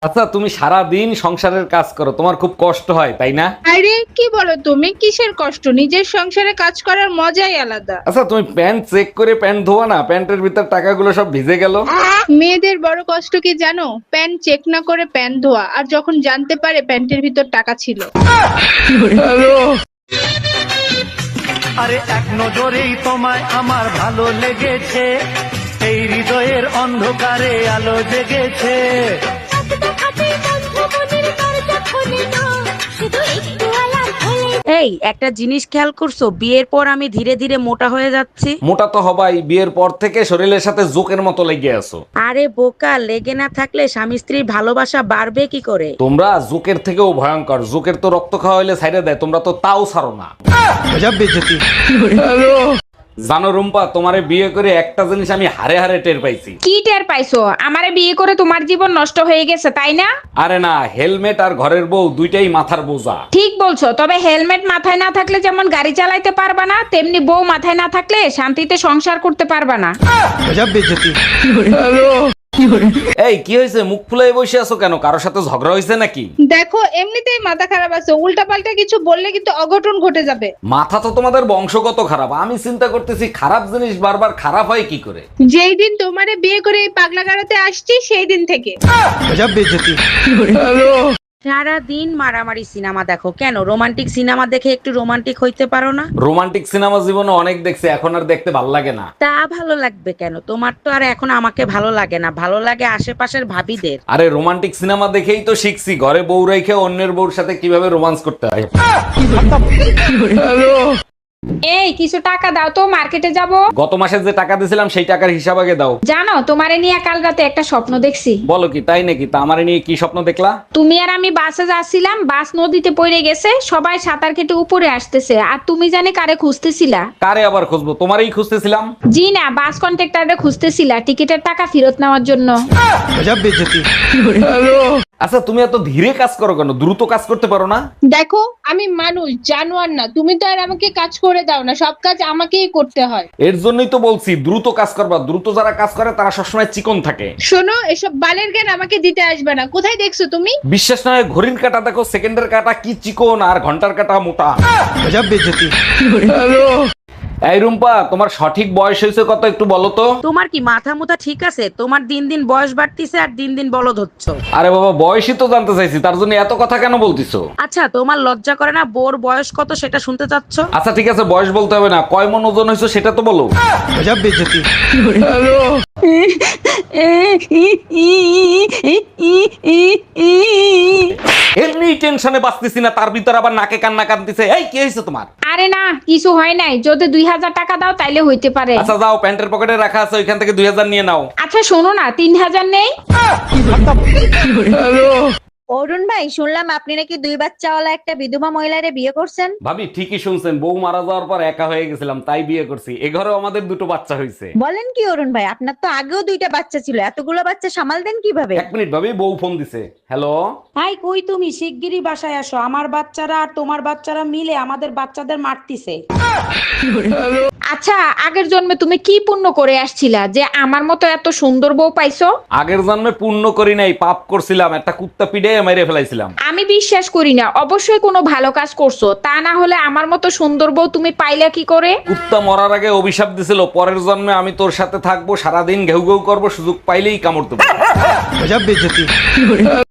আচ্ছা, তুমি সারা দিন সংসারের কাজ করো, তোমার খুব কষ্ট হয় তাই না? আরে কি বলো তুমি? কিসের কষ্ট? নিজের সংসারে কাজ করার মজাই আলাদা। আচ্ছা, তুমি প্যান্ট চেক করে প্যান্ট ধোয়া না, প্যান্টের ভিতর টাকাগুলো সব ভিজে গেল। মেয়েদের বড় কষ্ট কি জানো? প্যান্ট চেক না করে প্যান্ট ধোয়া, আর যখন জানতে পারে প্যান্টের ভিতর টাকা ছিল। আরে এক নজরেই তোমায় আমার ভালো লেগেছে, এই হৃদয়ের অন্ধকারে আলো জেগেছে। এই একটা জিনিস খেয়াল করছো, বিয়ের পর আমি ধীরে ধীরে মোটা হয়ে যাচ্ছি। মোটা তো হবাই, বিয়ের পর থেকে শরীরের সাথে জোকের মতো লেগে আছো। আরে বোকা, লেগে না থাকলে স্বামী স্ত্রীর ভালোবাসা বাড়বে কি করে? তোমরা জোকের থেকেও ভয়ঙ্কর, জোকের তো রক্ত খাওয়া হইলে ছাইড়ে দেয়, তোমরা তো তাও ছাড়ো না। জানো রুম্পা, তোমারে বিয়ে করে একটা জিনিস আমি হারে হারে টের পাইছি। কি টের পাইছো? আমারে বিয়ে করে তোমার জীবন নষ্ট হয়ে গেছে তাই না? আরে না, হেলমেট আর ঘরের বউ দুইটাই মাথার বোঝা। ঠিক বলছো, তবে হেলমেট মাথায় না থাকলে যেমন গাড়ি চালাইতে পারবা না, তেমনি বউ মাথায় না থাকলে শান্তিতে সংসার করতে পারবা না। এই কি হয়েছে, মুখ ফুলাই বসে আছো কেন? কারোর সাথে ঝগড়া হয়েছে নাকি? দেখো এমনিতেই মাথা খারাপ আছে, উল্টা পাল্টা কিছু বললে কিন্তু অঘটন ঘটে যাবে। মাথা তো তোমাদের বংশগত খারাপ। আমি চিন্তা করতেছি খারাপ জিনিস বারবার খারাপ হয় কি করে। যেই দিন তোমারে বিয়ে করে এই পাগলা গাড়াতে আসছি সেই দিন থেকে। সারা দিন মারামারি সিনেমা দেখো কেন? রোমান্টিক সিনেমা দেখে একটু রোমান্টিক হইতে পারো না? রোমান্টিক সিনেমা জীবনে অনেক দেখছি, এখন আর দেখতে ভাল লাগে না। তা ভালো লাগবে কেন? তোমার তো আর এখন আমাকে ভালো লাগে না, ভালো লাগে আশেপাশের ভাবিদের। আরে রোমান্টিক সিনেমা দেখেই তো শিখছি ঘরে বউ রেখে অন্যের বউর সাথে কিভাবে রোমান্স করতে হয়। এই কিছু টাকা দাও তো, মার্কেটে যাব। গত মাসে যে টাকা দিয়েছিলাম সেই টাকার হিসাব আগে দাও। জানো, তোমারে নিয়ে কাল রাতে একটা স্বপ্ন দেখছি। বলো কি, তাই নাকি? তা আমারে নিয়ে কি স্বপ্ন দেখলা? তুমি আর আমি বাসে যাচ্ছিলাম, বাস নদীতে পড়ে গেছে, সবাই সাঁতার কেটে উপরে আসতেছে, আর তুমি জানি কারে খুঁজতেছিলা। কারে আবার খুঁজবো, তোমারই খুঁজতেছিলাম। জি না, বাস কন্ট্রাক্টরে খুঁজতেছিলা টিকিটের টাকা ফেরত নেওয়ার জন্য। আচ্ছা, তুমি এত ধীরে কাজ করো কেন? দ্রুত কাজ করতে পারো না? দেখো আমি মানুষ, জানোয়ার না। তুমি তো আর আমাকে কাজ করে দাও না, সব কাজ আমাকেই করতে হয়। এর জন্যই তো বলছি দ্রুত কাজ করবা। দ্রুত যারা কাজ করে তারা সবসময় চিকন থাকে। শোনো, এসব বালের জ্ঞান আমাকে দিতে আসবে না। কোথায় দেখছো তুমি? বিশ্বাস না হয় ঘড়ির কাঁটা দেখো, সেকেন্ডের কাঁটা কি চিকন আর ঘন্টার কাঁটা মোটা। এই রুম্পা, তোমার সঠিক বয়স হয়েছে কত একটু বলো তো? তোমার কি মাথা মুথা ঠিক আছে? তোমার দিন দিন বয়স বাড়তিছে আর দিন দিন বলদ হচ্ছ। আরে বাবা, বয়সই তো জানতে চাইছি, তার জন্য এত কথা কেন বলতিছো? আচ্ছা, তোমার লজ্জা করে না বোর বয়স কত সেটা শুনতে চাচ্ছ? আচ্ছা ঠিক আছে, বয়স বলতে হবে না, কয় মন ওজন হয়েছে সেটা তো বলো। এমনি টেনশনে বাঁচতেছি না, তার ভিতর আবার নাকে কান্না কাঁদতেছে। এই কি হয়েছে তোমার? আরে না, কিছু হয় নাই। যদি 2000 টাকা দাও তাইলে হইতে পারে। আচ্ছা যাও, প্যান্টের পকেটে রাখা আছে, ওইখান থেকে 2000 নিয়ে নাও। আচ্ছা শোনো না, 3000 নেই? অরুণ ভাই, শুনলাম আপনি নাকি 2 বাচ্চাওয়ালা একটা বিধবা মহিলারে বিয়ে করছেন। ভাবি ঠিকই শুনছেন, বউ মারা যাওয়ার পর একা হয়ে গেছিলাম, তাই বিয়ে করছি। এ ঘরেও আমাদের দুটো বাচ্চা হয়েছে। বলেন কি অরুণ ভাই, আপনার তো আগেও 2টা বাচ্চা ছিল, এতগুলো বাচ্চা সামাল দেন কিভাবে? এক মিনিট ভাবি, বউ ফোন দিছে। হ্যালো। হাই, কই তুমি? শিগগিরই বাসায় আসো, আমার বাচ্চারা আর তোমার বাচ্চারা মিলে আমাদের বাচ্চাদের মারতিছে। আচ্ছা, আগের জন্মে তুমি কি পুণ্য করে আসছিলা যে আমার মতো এত সুন্দর বউ পাইছো? আগের জন্মে পুণ্য করি নাই, পাপ করছিলাম, একটা কুত্তা পিড়ে মেরে ফেলাইছিলাম। আমি বিশ্বাস করি না, অবশ্যই কোনো ভালো কাজ করছো, তা না হলে আমার মতো সুন্দর বউ তুমি পাইলা কি করে? কুত্তা মরার আগে অভিশাপ দিছিল, পরের জন্মে আমি তোর সাথে থাকবো, সারাদিন ঘেউ ঘেউ করবো, সুযোগ পাইলেই কামড় দেবো।